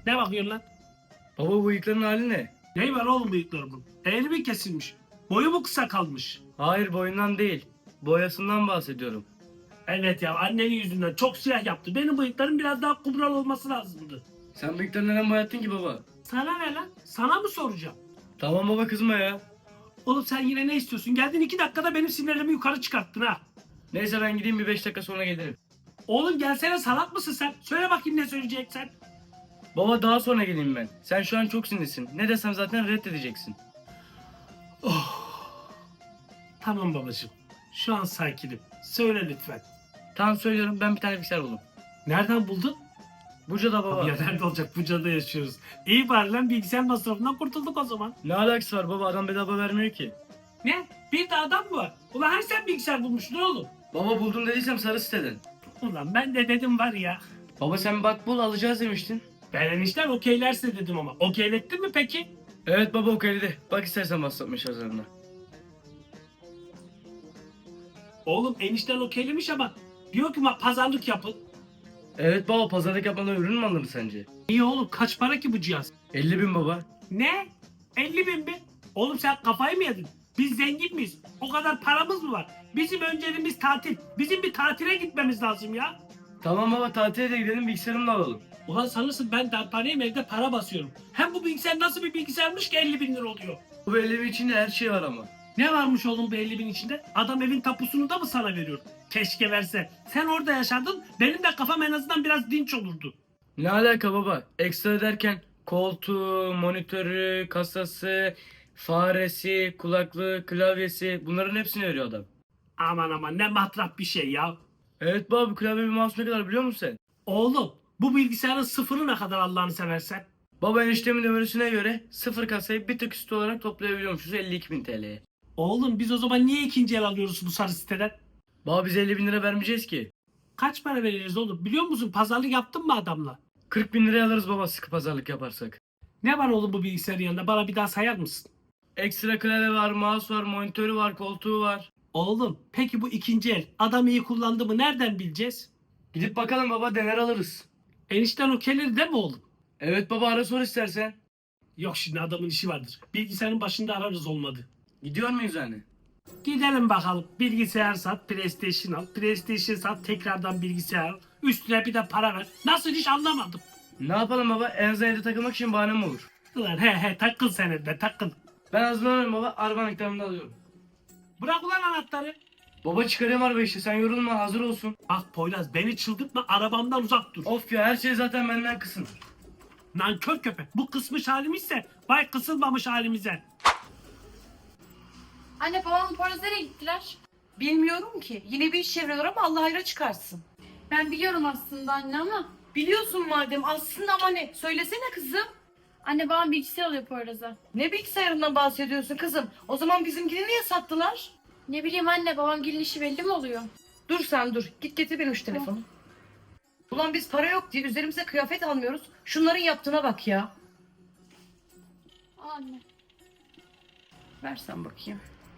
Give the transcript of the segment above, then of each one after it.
Ne bakıyorsun lan? Baba bu bıyıkların hali ne? Ney var oğlum bıyıklarımın? Eğri mi kesilmiş? Boyu mu kısa kalmış? Hayır boyundan değil. Boyasından bahsediyorum. Evet ya, annenin yüzünden çok siyah yaptı. Benim bıyıklarım biraz daha kumral olması lazımdı. Sen bıyıklarını neden boyattın ki baba? Sana ne lan? Sana mı soracağım? Tamam baba kızma ya. Oğlum sen yine ne istiyorsun? Geldin 2 dakikada benim sinirlerimi yukarı çıkarttın ha. Neyse ben gideyim bir 5 dakika sonra gelirim. Oğlum gelsene, salak mısın sen? Söyle bakayım ne söyleyeceksen. Baba daha sonra geleyim ben. Sen şu an çok sinirlisin. Ne desem zaten reddedeceksin. Tamam babacığım. Şu an sakinim. Söyle lütfen. Tamam söylüyorum ben bir tane bilgisayar buldum. Nereden buldun? Buca'da baba. Ya nerede olacak? Buca'da yaşıyoruz. İyi bari lan, bilgisayar masrafından kurtulduk o zaman. Ne alakası var baba adam bedava vermiyor ki. Ne? Bir de adam mı var? Ulan her sen bilgisayar bulmuştun oğlum. Baba buldum dediysem sarı siteden. Ulan ben de dedim var ya. Baba sen bak bul alacağız demiştin. Ben enişten okeylerse dedim ama. Okeylettin mi peki? Evet baba okeyledi. Bak istersen WhatsApp mesajlarına. Oğlum enişten okeylemiş ama diyor ki pazarlık yapın. Evet baba pazarlık yapmadan ürün mü alınır sence? İyi oğlum, kaç para ki bu cihaz? 50.000 baba. Ne? 50.000 mi? Oğlum sen kafayı mı yedin? Biz zengin miyiz? O kadar paramız mı var? Bizim önceliğimiz tatil. Bizim bir tatile gitmemiz lazım ya. Tamam baba tatile de gidelim bilgisayarımı da alalım. Ulan sanırsın ben darphaneyim, evde para basıyorum. Hem bu bilgisayar nasıl bir bilgisayarmış ki 50.000 lira oluyor? Bu 50.000 içinde her şey var ama. Ne varmış oğlum bu 50.000 içinde? Adam evin tapusunu da mı sana veriyor? Keşke verse. Sen orada yaşardın, benim de kafam en azından biraz dinç olurdu. Ne alaka baba? Ekstra derken koltuğu, monitörü, kasası, faresi, kulaklığı, klavyesi bunların hepsini veriyor adam. Aman aman, ne matrap bir şey ya. Evet baba bu klavye bir mouse ne kadar biliyor musun sen? Oğlum bu bilgisayarın sıfırı ne kadar Allah'ını seversen? Baba eniştemin ömrüsüne göre sıfır kasayı bir tık üstü olarak toplayabiliyormuşuz 52.000 TL'ye. Oğlum biz o zaman niye ikinci el alıyoruz bu sarı siteden? Baba biz 50.000 lira vermeyeceğiz ki. Kaç para veririz oğlum? Biliyor musun, pazarlık yaptın mı adamla? 40.000 liraya alırız baba sıkı pazarlık yaparsak. Ne var oğlum bu bilgisayarın yanında? Bana bir daha sayar mısın? Ekstra klavye var, mouse var, monitörü var, koltuğu var. Oğlum peki bu ikinci el adam iyi kullandı mı nereden bileceğiz? Gidip bakalım baba dener alırız. Enişten okeyleri de mi oğlum? Evet baba ara sor istersen. Yok, şimdi adamın işi vardır. Bilgisayarın başında ararız olmadı. Gidiyor muyuz yani? Gidelim bakalım. Bilgisayar sat, PlayStation al. PlayStation sat, tekrardan bilgisayar al. Üstüne bir de para ver. Nasıl iş anlamadım. Ne yapalım baba? En azından evde takılmak için bahanem olur. Ulan he takıl sen evde takıl. Ben hazırlanıyorum baba. Araba anahtarını alıyorum. Bırak ulan anahtarı. Baba çıkarayım araba işte. Sen yorulma hazır olsun. Bak Poyraz, beni çıldırtma, arabamdan uzak dur. Of ya her şey zaten benden kısın. Nankör köpek. Bu kısmış halimizse vay kısılmamış halimize. Anne babam Poyraz nereye gittiler? Bilmiyorum ki. Yine bir iş çeviriyorlar ama Allah hayra çıkarsın. Ben biliyorum aslında anne ama. Biliyorsun madem aslında ama ne? Söylesene kızım. Anne babam bilgisayar alıyor Poyraz'a. Ne bilgisayarından bahsediyorsun kızım? O zaman bizimkini niye sattılar? Ne bileyim anne, babam gelin işi belli mi oluyor? Dur sen dur. Git getir benim şu telefonu. Ulan biz para yok diye üzerimize kıyafet almıyoruz. Şunların yaptığına bak ya. Al anne. Versen bakayım.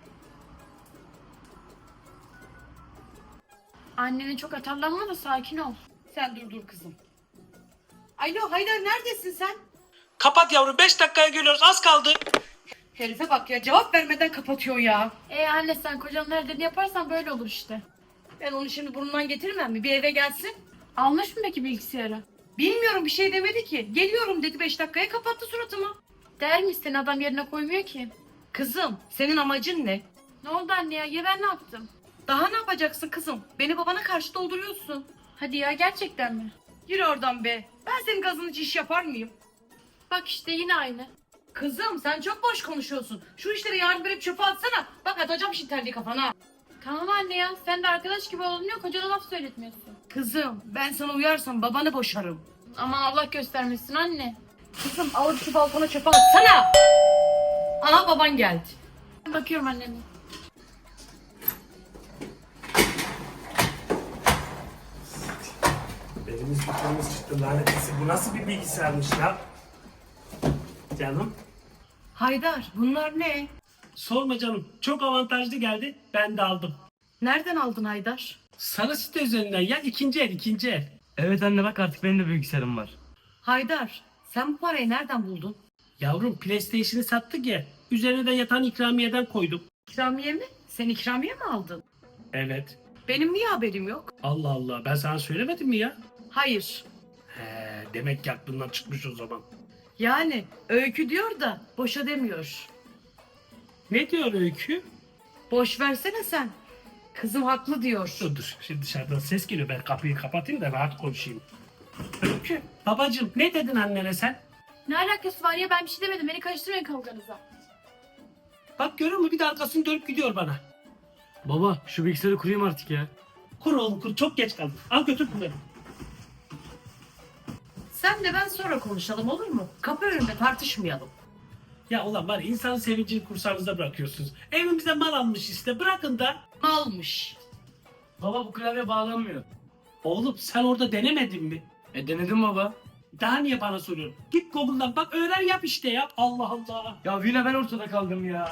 Annene çok atarlanma da sakin ol. Sen dur kızım. Alo Haydar neredesin sen? Kapat yavrum, 5 dakikaya geliyoruz, az kaldı. Herife bak ya cevap vermeden kapatıyor ya. Anne sen kocanın her dediğini yaparsan böyle olur işte. Ben onu şimdi burnundan getirmem mi? Bir eve gelsin. Almış mı peki bilgisayarı? Bilmiyorum bir şey demedi ki. Geliyorum dedi 5 dakikaya kapattı suratımı. Der mi, seni adam yerine koymuyor ki? Kızım senin amacın ne? Ne oldu anne ya ben ne yaptım? Daha ne yapacaksın kızım? Beni babana karşı dolduruyorsun. Hadi ya, gerçekten mi? Yürü oradan be. Ben senin gazını hiç iş yapar mıyım? Bak işte yine aynı. Kızım sen çok boş konuşuyorsun. Şu işleri yarın verip çöpe atsana. Bak atacağım şimdi terliği kafana. Tamam anne ya, sen de arkadaş gibi olunuyor, kocana laf söyletmiyorsun. Kızım ben sana uyarsam babanı boşarım. Aman Allah göstermesin anne. Kızım alıp şu balkona çöpe atsana. Aha baban geldi. Bakıyorum anneme. Elimiz bıçağımız çıktı lanetlisi. Bu nasıl bir bilgisayarmış ya? Canım. Haydar bunlar ne? Sorma canım. Çok avantajlı geldi. Ben de aldım. Nereden aldın Haydar? Sarı site üzerinden ya, ikinci el. Evet anne bak artık benim de bilgisayarım var. Haydar Sen bu parayı nereden buldun? Yavrum PlayStation'ı sattık ya. Üzerine de yatan ikramiyeden koydum. İkramiye mi? Sen ikramiye mi aldın? Evet. Benim niye haberim yok? Allah Allah, ben sana söylemedim mi ya? Hayır. Demek ki aklından çıkmış o zaman. Yani Öykü diyor da boşa demiyor. Ne diyor Öykü? Boş versene sen. Kızım haklı diyor. Dur, şimdi dışarıdan ses geliyor, ben kapıyı kapatayım da rahat konuşayım. Öykü, babacığım ne dedin annene sen? Ne alakası var ya, ben bir şey demedim. Beni karıştırmayın kavganıza. Bak görüyor musun, bir de arkasını dönüp gidiyor bana. Baba şu bilgisayarı kurayım artık ya. Kur oğlum kur, çok geç kaldım. Al götür bunları. Sen de ben sonra konuşalım olur mu? Kapı önünde tartışmayalım. Ya ulan var ya, insanın sevincini kursağınıza bırakıyorsunuz. Evimize mal almış işte, bırakın da. Almış. Baba bu klavye bağlanmıyor. Oğlum sen orada denemedin mi? Denedim baba. Daha niye bana soruyorsun? Git Google'dan bak, öğren yap işte ya. Allah Allah. Ya yine ben ortada kaldım ya.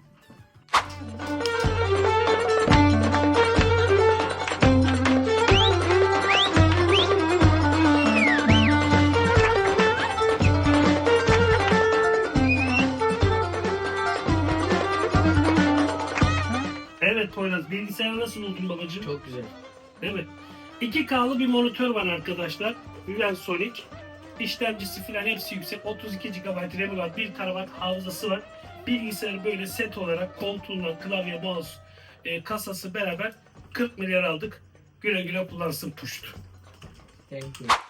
Evet Poyraz, bilgisayarı nasıl buldun babacığım? Çok güzel. Evet. 2K'lı bir monitör var arkadaşlar. VivenSonic. İşlemcisi filan hepsi yüksek. 32 GB RAM'i var. 1 TB hafızası var. Bilgisayarı böyle set olarak koltuğundan klavye, mouse, kasası beraber 40 milyar aldık. Güle güle kullansın puşt. Thank you.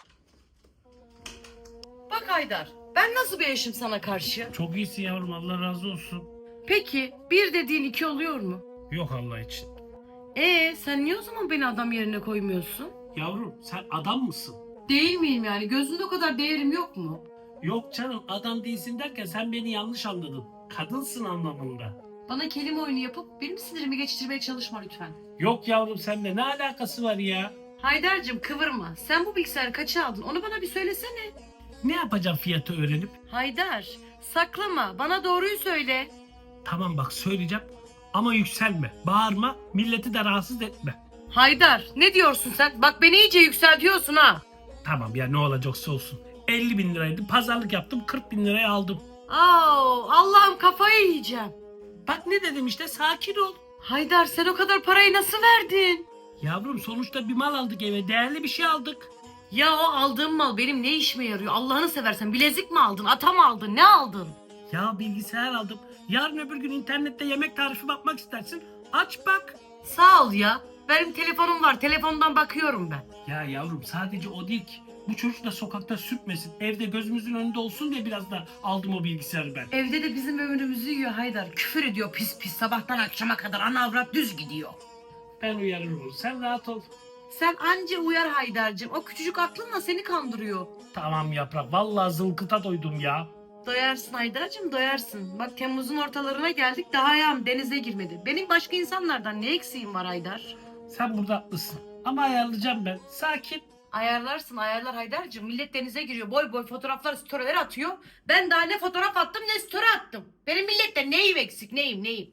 Bak Haydar, ben nasıl bir eşim sana karşı? Çok iyisin yavrum, Allah razı olsun. Peki bir dediğin iki oluyor mu? Yok Allah için. Sen niye o zaman beni adam yerine koymuyorsun? Yavrum sen adam mısın? Değil miyim yani? Gözünde o kadar değerim yok mu? Yok canım, adam değilsin derken sen beni yanlış anladın. Kadınsın anlamında. Bana kelime oyunu yapıp benim sinirimi geçirmeye çalışma lütfen. Yok yavrum, seninle ne alakası var ya? Haydar'cığım kıvırma. Sen bu bilgisayarı kaça aldın? Onu bana bir söylesene. Ne yapacağım fiyatı öğrenip? Haydar, saklama. Bana doğruyu söyle. Tamam bak söyleyeceğim ama yükselme, bağırma, milleti de rahatsız etme. Haydar, ne diyorsun sen? Bak beni iyice yükseltiyorsun ha. Tamam ya, ne olacaksa olsun. 50 bin liraydı, pazarlık yaptım, 40 bin liraya aldım. Allah'ım kafayı yiyeceğim. Bak ne dedim işte, sakin ol. Haydar sen o kadar parayı nasıl verdin? Yavrum sonuçta bir mal aldık eve, değerli bir şey aldık. Ya o aldığım mal benim ne işime yarıyor? Allah'ını seversen bilezik mi aldın? Ata mı aldın? Ne aldın? Ya bilgisayar aldım. Yarın öbür gün internette yemek tarifi bakmak istersin. Aç bak. Sağ ol ya. Benim telefonum var. Telefondan bakıyorum ben. Ya yavrum sadece o değil ki. Bu çocuk da sokakta sürtmesin. Evde gözümüzün önünde olsun diye biraz da aldım o bilgisayarı ben. Evde de bizim ömrümüzü yiyor Haydar. Küfür ediyor pis pis. Sabahtan akşama kadar ana avrat düz gidiyor. Ben uyarırım onu. Sen rahat ol. Sen anca uyar Haydar'cığım. O küçücük aklınla seni kandırıyor. Tamam yaprak. Vallahi zılkıta doydum ya. Doyarsın Haydar'cığım doyarsın. Bak Temmuz'un ortalarına geldik daha ayağım denize girmedi. Benim başka insanlardan ne eksiğim var Haydar? Sen burada haklısın. Ama ayarlayacağım ben. Sakin. Ayarlarsın ayarlar Haydar'cığım. Millet denize giriyor. Boy boy fotoğraflar storyler atıyor. Ben daha ne fotoğraf attım ne story attım. Benim millette neyim eksik neyim.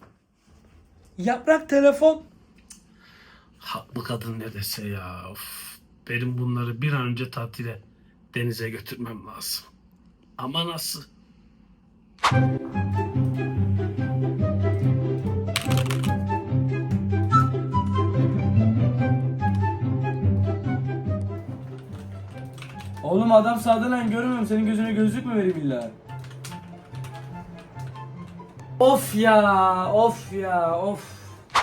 Yaprak telefon. Haklı kadın ne dese ya. Of. Benim bunları bir an önce tatile, denize götürmem lazım. Ama nasıl? Oğlum adam sağdan lan görmüyorum. Senin gözüne gözlük mü vereyim illa? Of ya, of ya, of.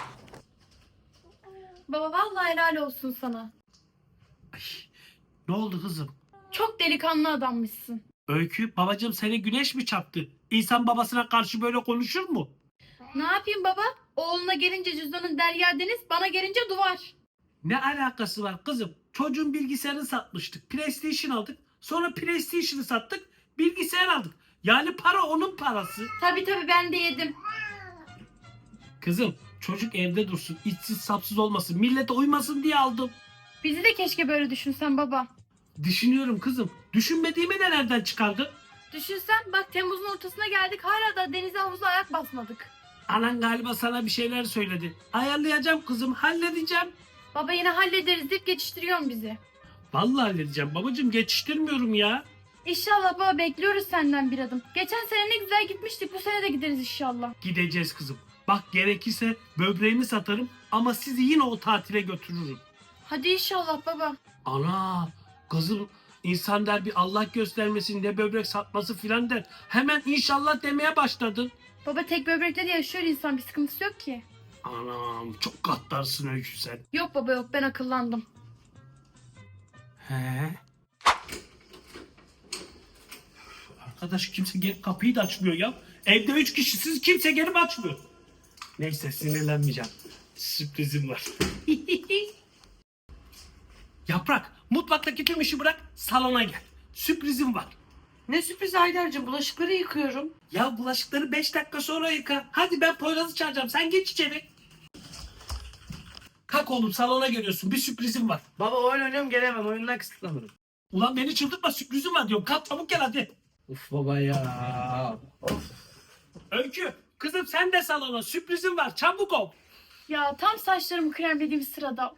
Baba vallahi helal olsun sana. Ay, ne oldu kızım? Çok delikanlı adammışsın. Öykü, babacığım seni güneş mi çarptı? İnsan babasına karşı böyle konuşur mu? Ne yapayım baba? Oğluna gelince cüzdanın derya deniz, bana gelince duvar. Ne alakası var kızım? Çocuğun bilgisayarını satmıştık. PlayStation aldık. Sonra PlayStation'ı sattık. Bilgisayar aldık. Yani para onun parası. Tabii ben de yedim. Kızım çocuk evde dursun. İçsiz sapsız olmasın. Millete uymasın diye aldım. Bizi de keşke böyle düşünsen baba. Düşünüyorum kızım. Düşünmediğimi de nereden çıkardın? Düşünsen bak Temmuz'un ortasına geldik hala da denize havuza ayak basmadık. Anan galiba sana bir şeyler söyledi. Ayarlayacağım kızım. Halledeceğim. Baba yine hallederiz deyip geçiştiriyorsun bizi. Vallahi halledeceğim babacığım. Geçiştirmiyorum ya. İnşallah baba, bekliyoruz senden bir adım. Geçen sene ne güzel gitmiştik, bu sene de gideriz inşallah. Gideceğiz kızım. Bak gerekirse böbreğimi satarım ama sizi yine o tatile götürürüm. Hadi inşallah baba. Ana kızım, insan der bir Allah göstermesin, ne böbrek satması filan der. Hemen inşallah demeye başladın. Baba tek böbrekle de yaşıyor insan, bir sıkıntısı yok ki. Anam çok gaddarsın Öykü sen. Yok baba yok, ben akıllandım. He. Arkadaş kimse gelip kapıyı da açmıyor ya. Evde 3 kişisiz, kimse gelip açmıyor. Neyse sinirlenmeyeceğim. Sürprizim var. Yaprak, mutfaktaki tüm işi bırak, salona gel. Sürprizim var. Ne sürpriz Haydar'cığım, bulaşıkları yıkıyorum. Ya bulaşıkları 5 dakika sonra yıka. Hadi ben Poyraz'ı çağıracağım. Sen geç içeri. Kalk oğlum, salona geliyorsun. Bir sürprizim var. Baba oyun oynuyorum, gelemem, oyundan kısıtlanırım. Ulan beni çıldırtma, sürprizim var diyorum. Kalk çabuk gel hadi. Uf baba ya. Öykü, kızım sen de salona. Sürprizim var. Çabuk ol. Ya tam saçlarımı kremlediğim sırada.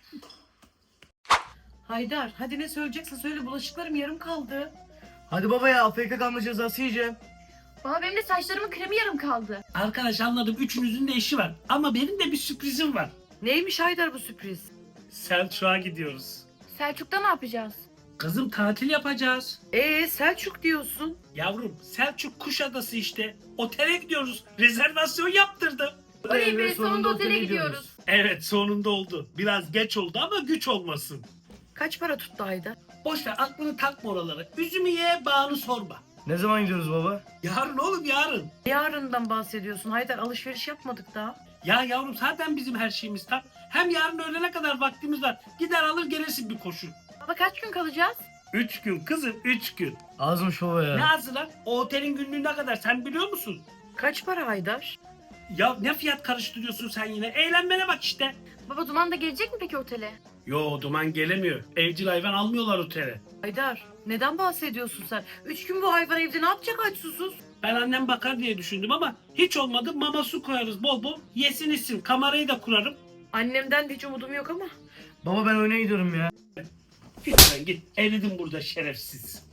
Haydar hadi ne söyleyeceksin söyle, bulaşıklarım yarım kaldı. Hadi baba ya, AFK kalma cezası yiyeceğim. Baba benim de saçlarımın kremi yarım kaldı. Arkadaş anladım. Üçünüzün de işi var. Ama benim de bir sürprizim var. Neymiş Haydar bu sürpriz? Selçuk'a gidiyoruz. Selçuk'ta ne yapacağız? Kızım tatil yapacağız. Selçuk diyorsun. Yavrum Selçuk Kuşadası işte. Otele gidiyoruz. Rezervasyon yaptırdım. Oley be, sonunda otele gidiyoruz. Evet sonunda oldu. Biraz geç oldu ama güç olmasın. Kaç para tuttu Haydar? Boş ver, aklını takma oralara. Üzümü ye, bağını sorma. Ne zaman gidiyoruz baba? Yarın oğlum yarın. Yarından bahsediyorsun Haydar, alışveriş yapmadık daha. Ya yavrum zaten bizim her şeyimiz tam. Hem yarın öğlene kadar vaktimiz var. Gider alır gelirsin bir koşu. Baba kaç gün kalacağız? 3 gün kızım 3 gün. Azmış baba ya. Ne azı lan? O otelin günlüğü ne kadar sen biliyor musun? Kaç para Haydar? Ya ne fiyat karıştırıyorsun sen yine? Eğlenmene bak işte. Baba Duman da gelecek mi peki otele? Yo Duman gelemiyor. Evcil hayvan almıyorlar otele. Haydar neden bahsediyorsun sen? 3 gün bu hayvan evde ne yapacak aç susuz? Ben annem bakar diye düşündüm ama hiç olmadı, mama su koyarız bol bol. Yesin içsin, kamerayı da kurarım. Annemden de hiç umudum yok ama. Baba ben oyuna gidiyorum ya. Git sen git. Eridim burada şerefsiz.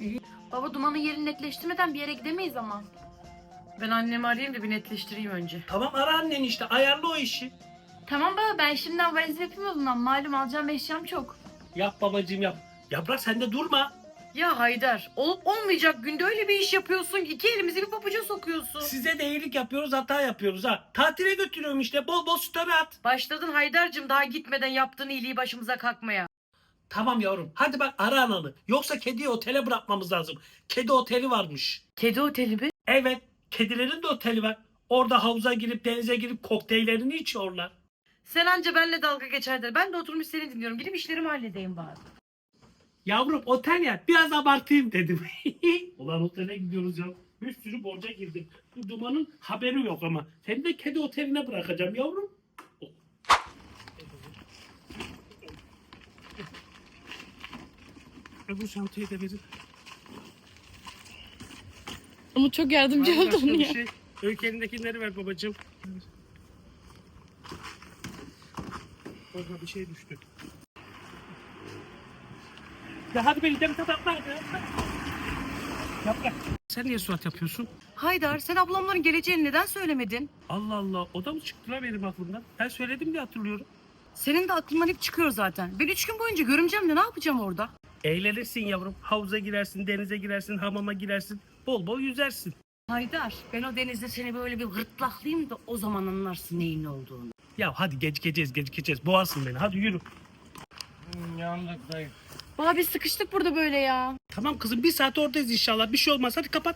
Baba Duman'ın yerini netleştirmeden bir yere gidemeyiz ama. Ben annemi arayayım da bir netleştireyim önce. Tamam ara anneni işte, ayarla o işi. Tamam baba, ben şimdiden valiz yapayım o zaman. Malum alacağım eşyam çok. Yap babacığım yap. Yaprak sen de durma. Ya Haydar olup olmayacak günde öyle bir iş yapıyorsun ki 2 elimizi bir pabuca sokuyorsun. Size de iyilik yapıyoruz, hata yapıyoruz ha. Tatile götürüyorum işte, bol bol story at. Başladın Haydar'cığım daha gitmeden yaptığın iyiliği başımıza kalkmaya. Tamam yavrum, hadi bak ara ananı. Yoksa kediyi otele bırakmamız lazım. Kedi oteli varmış. Kedi oteli mi? Evet, kedilerin de oteli var. Orada havuza girip denize girip kokteyllerini içiyorlar. Sen anca benimle dalga geç Haydar. Ben de oturmuş seni dinliyorum. Gidip işlerimi halledeyim bari. Yavrum otel ya, biraz abartayım dedim. Ulan otele gidiyoruz ya. Bir sürü borca girdim. Bu Duman'ın haberi yok ama. Seni de kedi oteline bırakacağım yavrum. Bu şantiyı da verin. Ama çok yardımcı Var başka oldun bir ya. şey. Öykü elindekileri ver babacığım. Orada bir şey düştü. Ya hadi beni de bir tatlı Yaprak. Sen niye surat yapıyorsun? Haydar sen ablamların geleceğini neden söylemedin? Allah Allah, o da mı çıktı lan benim aklımdan? Ben söyledim diye hatırlıyorum. Senin de aklından hep çıkıyor zaten. Ben 3 gün boyunca görümcemle ne yapacağım orada? Eğlenirsin yavrum. Havuza girersin, denize girersin, hamama girersin. Bol bol yüzersin. Haydar ben o denizde seni böyle bir gırtlaklayayım da o zaman anlarsın neyin ne olduğunu. Ya hadi gecikeceğiz. Boğarsın beni. Hadi yürü. Yandık dayı. Baba biz sıkıştık burada böyle ya. Tamam kızım, bir saat oradayız inşallah. Bir şey olmaz. Hadi kapat.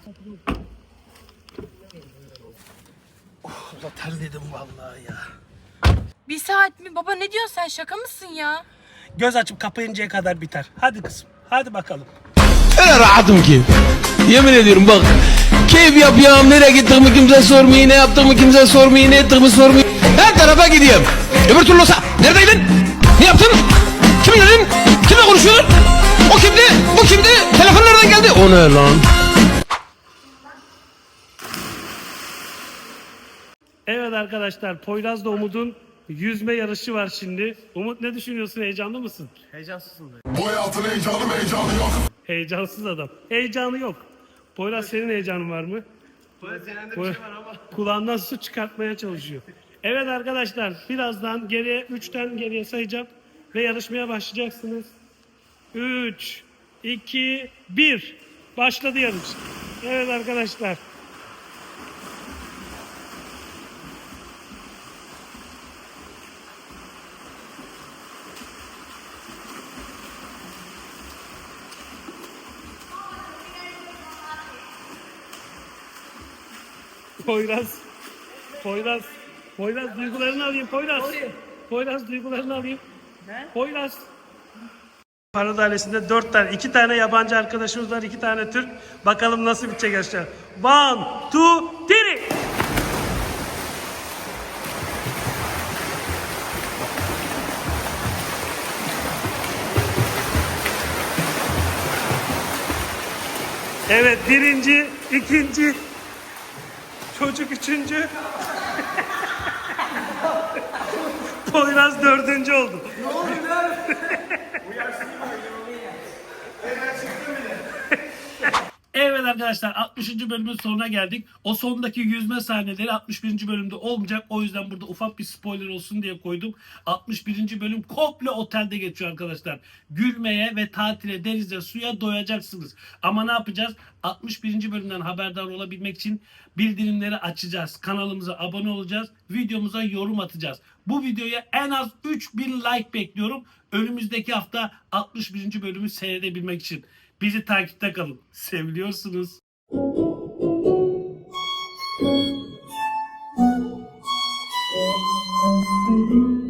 Oh, terledim vallahi ya. Bir saat mi? Baba ne diyorsun sen, şaka mısın ya? Göz açıp kapayıncaya kadar biter. Hadi kızım. Hadi bakalım. Öyle rahatım ki. Yemin ediyorum bak. Keyif yapıyorum. Nereye gittiğimi kimse sormuyor. Ne yaptığımı kimse sormuyor. Ne ettiğimi sormuyor. Her tarafa gidiyorum. Öbür türlü olsa. Neredeydin? Ne yaptın? Kimin dedin? Kimle konuşuyordun? O kimdi? Bu kimdi? Telefon nereden geldi? O ne lan? Evet arkadaşlar, Poyraz'la Umut'un yüzme yarışı var şimdi. Umut ne düşünüyorsun? Heyecanlı mısın? Bu hayatın heyecanı yok. Heyecansız adam. Heyecanı yok. Poyraz senin heyecanın var mı? Kulağından su çıkartmaya çalışıyor. Evet arkadaşlar birazdan geriye 3'ten geriye sayacağım ve yarışmaya başlayacaksınız. 3, 2, 1. Başladı yarış. Evet arkadaşlar. Poyraz duygularını alayım Poyraz duygularını alayım. Poyraz. Para Dairesi'nde 4 tane, 2 tane yabancı arkadaşımız var, 2 tane Türk. Bakalım nasıl bitecek arkadaşlar. 1, 2, 3. Evet, birinci, ikinci, çocuk üçüncü. Poyraz dördüncü oldu. Evet arkadaşlar 60. bölümün sonuna geldik. O sondaki yüzme sahneleri 61. bölümde olmayacak. O yüzden burada ufak bir spoiler olsun diye koydum. 61. bölüm komple otelde geçiyor arkadaşlar. Gülmeye ve tatile, denize, suya doyacaksınız. Ama ne yapacağız? 61. bölümden haberdar olabilmek için bildirimleri açacağız. Kanalımıza abone olacağız. Videomuza yorum atacağız. Bu videoya en az 3000 like bekliyorum. Önümüzdeki hafta 61. bölümü seyredebilmek için. Bizi takipte kalın. Seviliyorsunuz.